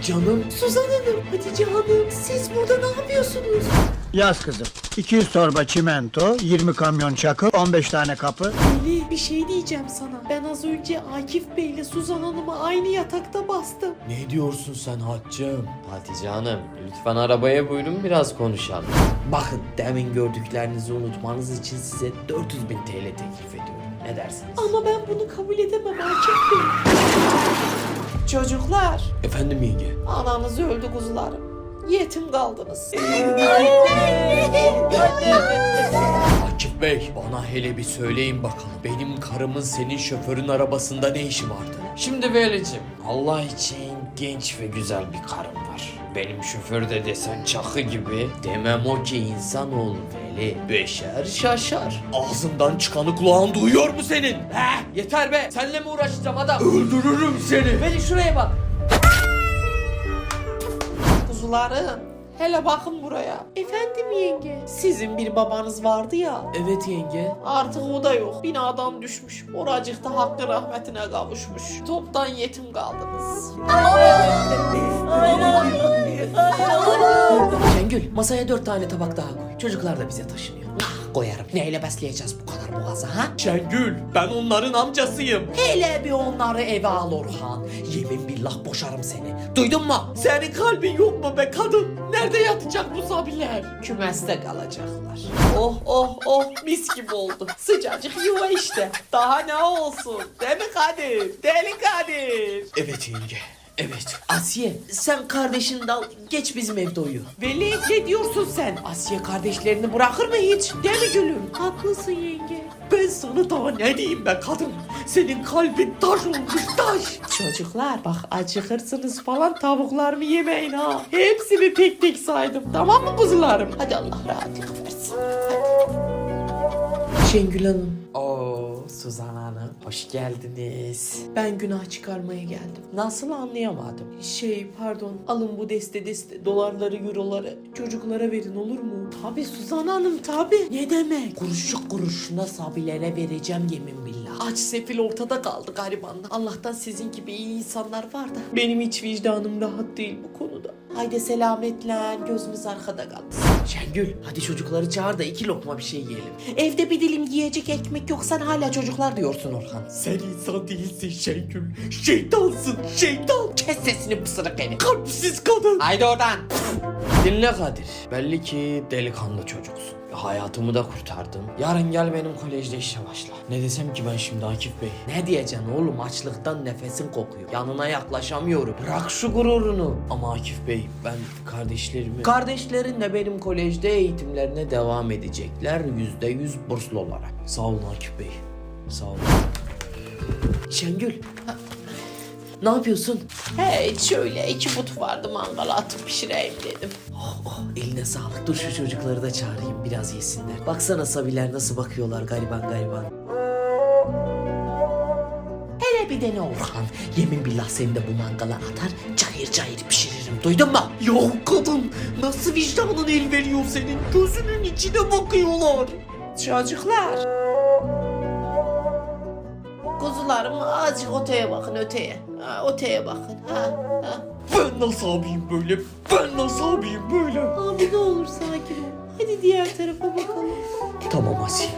Canım. Suzan Hanım, Hatice Hanım, siz burada ne yapıyorsunuz? Yaz kızım. 200 torba çimento, 20 kamyon çakıl, 15 tane kapı. Melih, bir şey diyeceğim sana. Ben az önce Akif Bey ile Suzan Hanım'ı aynı yatakta bastım. Ne diyorsun sen Haccım? Hatice Hanım, lütfen arabaya buyurun, biraz konuşalım. Bakın, demin gördüklerinizi unutmanız için size 400.000 TL teklif ediyorum. Ne dersiniz? Ama ben bunu kabul edemem Akif Bey. Çocuklar, Efendim yenge? ananız öldü kuzularım. Yetim kaldınız. Akif Bey, bana hele bir söyleyin bakalım. Benim karımın senin şoförün arabasında ne işi vardı? Şimdi Veli'cim, Allah için genç ve güzel bir karım var. Benim şoför de desen çakı gibi. Demem o ki insanoğlu Veli. Beşer şaşar. Ağzından çıkanı kulağın duyuyor mu senin? He, yeter be. Seninle mi uğraşacağım adam? Öldürürüm seni. Veli şuraya bak. Kuzularım, hele bakın buraya. Efendim yenge? Sizin bir babanız vardı ya. Evet yenge. Artık o da yok. Binadan düşmüş. Oracıkta hakkı rahmetine kavuşmuş. Toptan yetim kaldınız. Şengül, masaya 4 tane tabak daha koy. Çocuklar da bize taşınıyor. Koyarım. Neyle besleyeceğiz bu kadar boğazı ha? Şengül, ben onların amcasıyım. Hele bir onları eve al Orhan. Yemin billah boşarım seni. Duydun mu? Senin kalbin yok mu be kadın? Nerede yatacak bu zabiler? Kümeste kalacaklar. Oh oh oh, mis gibi oldu. Sıcacık yuva işte. Daha ne olsun? Değil mi Kadir? Deli Kadir. Evet yenge. Evet. Asiye, sen kardeşini de al, geç bizim evde uyu. Veli, ne diyorsun sen? Asiye kardeşlerini bırakır mı hiç? Değil mi gülüm? Haklısın yenge. Ben sana daha ne diyeyim be kadın? Senin kalbin taş olmuş taş. Çocuklar bak, acıkırsınız falan, tavuklarımı yemeyin ha. Hepsini tek tek saydım, tamam mı kuzularım? Hadi Allah rahatlık versin. Şengül Hanım. Oo, Suzan Hanım. Hoş geldiniz. Ben günah çıkarmaya geldim. Nasıl anlayamadım? Pardon, alın bu deste dolarları, euroları çocuklara verin, olur mu? Tabi Suzan Hanım, tabi. Ne demek? Kuruşu kuruşuna sabilere vereceğim yemin billah. Aç sefil ortada kaldı garibanlar. Allah'tan sizin gibi iyi insanlar var da. Benim hiç vicdanım rahat değil bu konuda. Haydi selametle, gözümüz arkada kalsın. Şengül, hadi çocukları çağır da 2 lokma bir şey yiyelim. Evde bir dilim yiyecek ekmek yok, sen hala çocuklar diyorsun Orhan. Sen insan değilsin Şengül. Şeytansın, şeytan. Kes sesini pısırık herif. Kalpsiz kadın. Haydi oradan. Dinle Kadir. Belli ki delikanlı çocuksun. Hayatımı da kurtardın. Yarın gel benim kolejde işe başla. Ne desem ki ben şimdi Akif Bey? Ne diyeceksin oğlum? Açlıktan nefesin kokuyor. Yanına yaklaşamıyorum. Bırak şu gururunu. Ama Akif Bey, ben kardeşlerimi... Kardeşlerin benim kolejde eğitimlerine devam edecekler. %100 burslu olarak. Sağ olun Akif Bey. Sağ olun. Şengül. Ne yapıyorsun? Hey, şöyle 2 but vardı, mangala atıp pişireyim dedim. Oh, eline sağlık. Dur şu çocukları da çağırayım, biraz yesinler. Baksana sabiler nasıl bakıyorlar gariban gariban. Hele bir dene Orhan. Yemin billah seni de bu mangala atar, cayır cayır pişiririm. Duydun mu? Yok kadın, nasıl vicdanın el veriyor senin? Gözünün içine bakıyorlar. Çocuklar. Kuzularım, azıcık öteye bakın, öteye. Ha, öteye bakın. Ha. Ben nasıl abiyim böyle? Ben nasıl abiyim böyle? Abi ne olur sakin ol. Hadi diğer tarafa bakalım. Tamam Asiye,